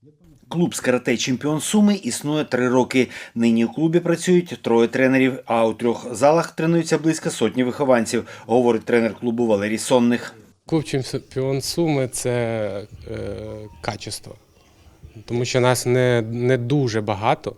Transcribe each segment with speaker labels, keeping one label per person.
Speaker 1: Клуб з карате «Чемпіон Суми» існує 3 роки. Нині у клубі працюють 3 тренерів, а у 3 залах тренуються близько сотні вихованців, говорить тренер клубу Валерій Сонних.
Speaker 2: Клуб «Чемпіон Суми» – це качество, тому що нас не дуже багато,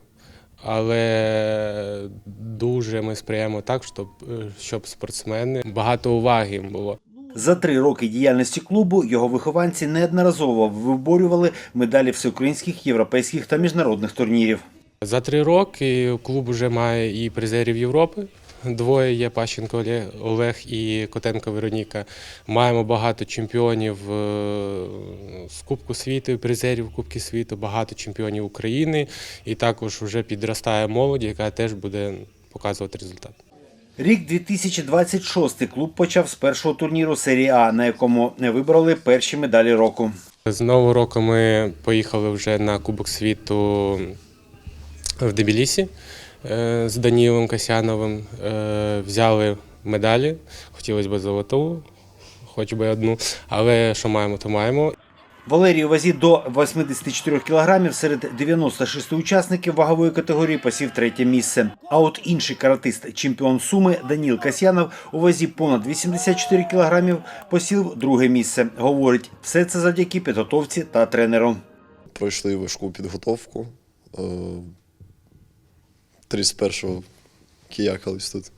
Speaker 2: але дуже ми сприяємо так, щоб спортсмени, багато уваги їм було.
Speaker 1: За 3 роки діяльності клубу його вихованці неодноразово виборювали медалі всеукраїнських, європейських та міжнародних турнірів.
Speaker 2: За 3 роки клуб вже має і призерів Європи. 2 є – Пащенко Олег і Котенко Вероніка. Маємо багато чемпіонів з Кубку світу, призерів Кубки світу, багато чемпіонів України. І також вже підростає молодь, яка теж буде показувати результат.
Speaker 1: Рік 2026 клуб почав з першого турніру серії А, на якому вибрали перші медалі року.
Speaker 2: З нового року ми поїхали вже на Кубок світу в Тбілісі з Данілом Касьяновим. Взяли медалі, хотілося б золоту, хоч би одну, але що маємо, то маємо.
Speaker 1: Валерій у вазі до 84 кг серед 96 учасників вагової категорії посів 3-те місце. А от інший каратист, чемпіон Суми Даніл Касьянов у вазі понад 84 кг посів 2-ге місце. Говорить, все це завдяки підготовці та тренеру.
Speaker 3: Пройшли важку підготовку. 31-го киякались тут.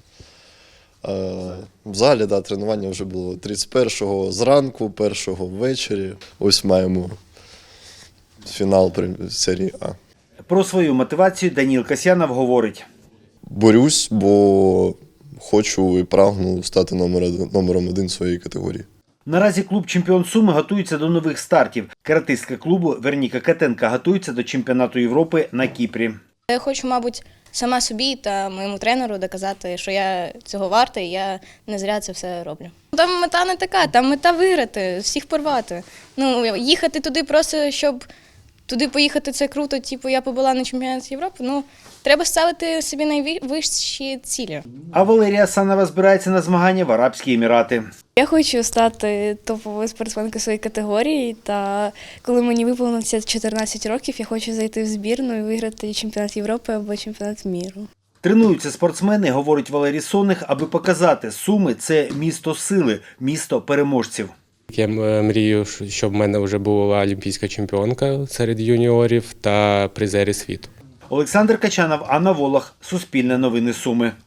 Speaker 3: В залі тренування вже було 31-го зранку, 1-го ввечері. Ось маємо фінал серії А.
Speaker 1: Про свою мотивацію Даніл Касьянов говорить.
Speaker 3: Борюсь, бо хочу і прагну стати номером 1 своєї категорії.
Speaker 1: Наразі клуб «Чемпіон Суми» готується до нових стартів. Каратистка клубу Вероніка Котенко готується до чемпіонату Європи на Кіпрі.
Speaker 4: Я хочу, мабуть, сама собі та моєму тренеру доказати, що я цього варта і я не зря це все роблю. Там мета не така, там мета виграти, всіх порвати. Їхати туди просто, щоб туди поїхати, це круто, типу я побула на чемпіонаті Європи. Треба ставити собі найвищі цілі.
Speaker 1: А Валерія Санова збирається на змагання в Арабські Емірати.
Speaker 4: Я хочу стати топовою спортсменкою своєї категорії, та коли мені виповниться 14 років, я хочу зайти в збірну і виграти чемпіонат Європи або чемпіонат міру.
Speaker 1: Тренуються спортсмени, говорить Валерій Сонних, аби показати, Суми – це місто сили, місто переможців.
Speaker 2: Я мрію, щоб в мене вже була олімпійська чемпіонка серед юніорів та призери світу.
Speaker 1: Олександр Качанов, Анна Волох, Суспільне новини Суми.